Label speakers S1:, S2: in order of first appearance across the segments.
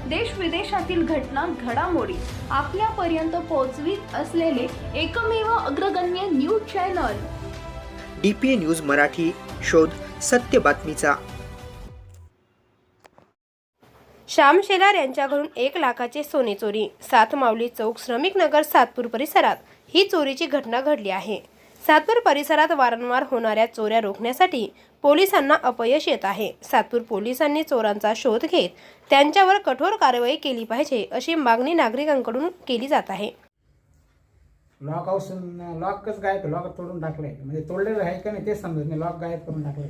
S1: देश विदेशातील घटना घडामोडी आपल्यापर्यंत पोहोचवित असलेले एकमेव अग्रगण्य news channel
S2: DPA news Marathi. शोध सत्य बातमीचा.
S3: श्याम शेलार यांच्याकडून 1 लाखाचे सोने चोरी. सातमावली चौक श्रमिक नगर सातपूर परिसरात ही चोरीची घटना घडली आहे. सातपूर परिसरात वारंवार होणाऱ्या चोऱ्या रोखण्यासाठी पोलिसांना अपयश येत आहे. सातपूर पोलिसांनी चोरांचा शोध घेत त्यांच्यावर कठोर कारवाई केली पाहिजे अशी मागणी नागरिकांकडून केली जात आहे.
S4: लॉकच गायब, लॉक तोडून टाकले, म्हणजे तोडलेलं आहे का नाही ते समजत नाही. लॉक गायब करून टाकले.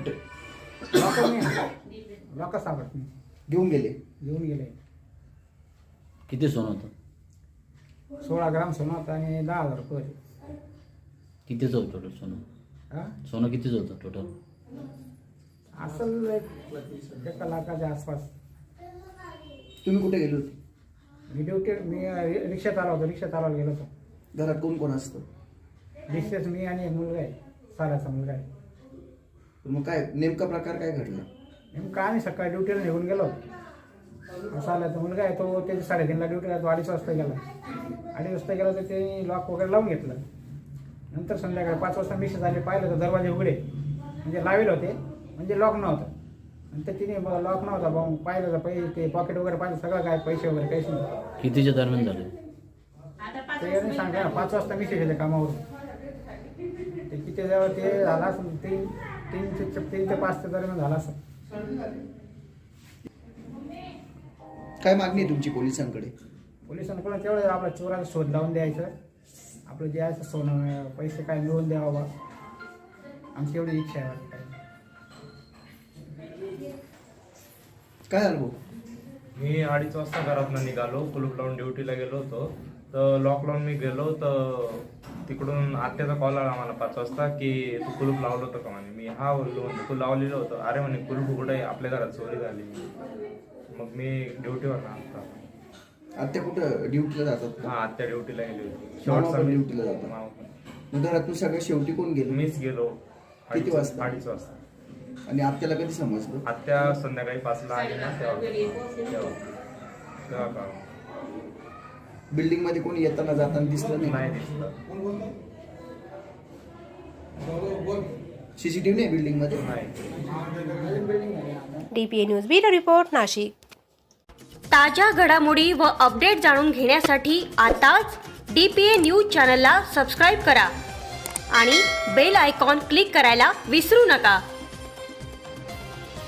S4: लॉक सापडत नाही.
S5: घेऊन गेले.
S6: किती सोनं होतं?
S4: 16 ग्राम सोनं होतं आणि 10,000 रुपये होते.
S6: कितीचं होतं टोटल सोनं? सोनं कितीचं होतं टोटल?
S4: असेल 1 लाखाच्या आसपास.
S5: तुम्ही कुठे गेले होते?
S4: मी रिक्षा चालवायला गेलो होतो.
S5: घरात कोण कोण असतं?
S4: रिक्षाच मी आणि एक मुलगा आहे, साराचा मुलगा आहे.
S5: मग काय नेमका प्रकार काय घडला?
S4: नेमकं आम्ही सकाळी ड्युटीला निघून गेलो. सालाचा मुलगा आहे तो, त्याची 3:30ला ड्युटीला, तो 2:30 वाजता गेला. 2:30 वाजता गेला तर ते लॉक वगैरे लावून घेतलं. नंतर संध्याकाळी 5 वाजता मिसेस आले, पाहिलं तर दरवाजे उघडे, म्हणजे लावेल होते, म्हणजे लॉक नव्हतं. नंतर तिने लॉक नव्हता पाहिलं तर पैसे, ते पॉकेट वगैरे पाहिलं, सगळं काय, पैसे वगैरे काहीच नाही.
S6: कितीच्या दरम्यान झाले
S4: ते सांगा ना, 5 वाजता मिसेस येते कामावरून. ते किती जवळ ते झाला असं 3 ते 5 दरम्यान झाला असं.
S5: काय मागणी आहे तुमची पोलिसांकडे?
S4: पोलिसांकडून तेवढं आपल्या चोराचा शोध लावून द्यायचं, आपलं जे आहे सोनं पैसे काय मिळवून द्यावं बा, आमची एवढी इच्छा आहे.
S5: काय झालं भाऊ?
S7: मी 2:30 वाजता घरातून निघालो, कुलूप लावून ड्युटीला गेलो होतो. तर लॉक लावून मी गेलो तर तिकडून आत्याचा कॉल आला मला 5 वाजता की तू कुलूप लावलं होतं का म्हणे. मी हा बोललो, म्हणजे तू लावलेलं होतं. अरे म्हणे कुलूप उघडं आहे, आपल्या घरात चोरी झाली. मग मी ड्युटीवर ना आता.
S5: आत्या कुठं ड्युटीला जातात?
S7: हा, आत्या ड्युटीला गेली होती.
S5: मामा पण ड्युटीला जातात. मग घरातून सगळं शेवटी कोण गेलो?
S7: मीच गेलो.
S5: किती वाजता?
S7: 2:30 वाजता.
S5: आणि आत्याला कधी समजलं?
S7: आत्या संध्याकाळी 5ला आली ना, तेव्हा का
S5: बिल्डिंग मध्ये कोणी येताना जाताना दिसलं नाही?
S7: नाही दिसलं.
S5: CCTV नाही बिल्डिंग मध्ये?
S7: नाही.
S3: DPA news bureau report, Nashik.
S8: ताज्या घडामोडी व अपडेट जाणून घेण्यासाठी आताच DPA न्यूज चॅनलला सबस्क्राईब करा आणि बेल आयकॉन क्लिक करायला विसरू नका.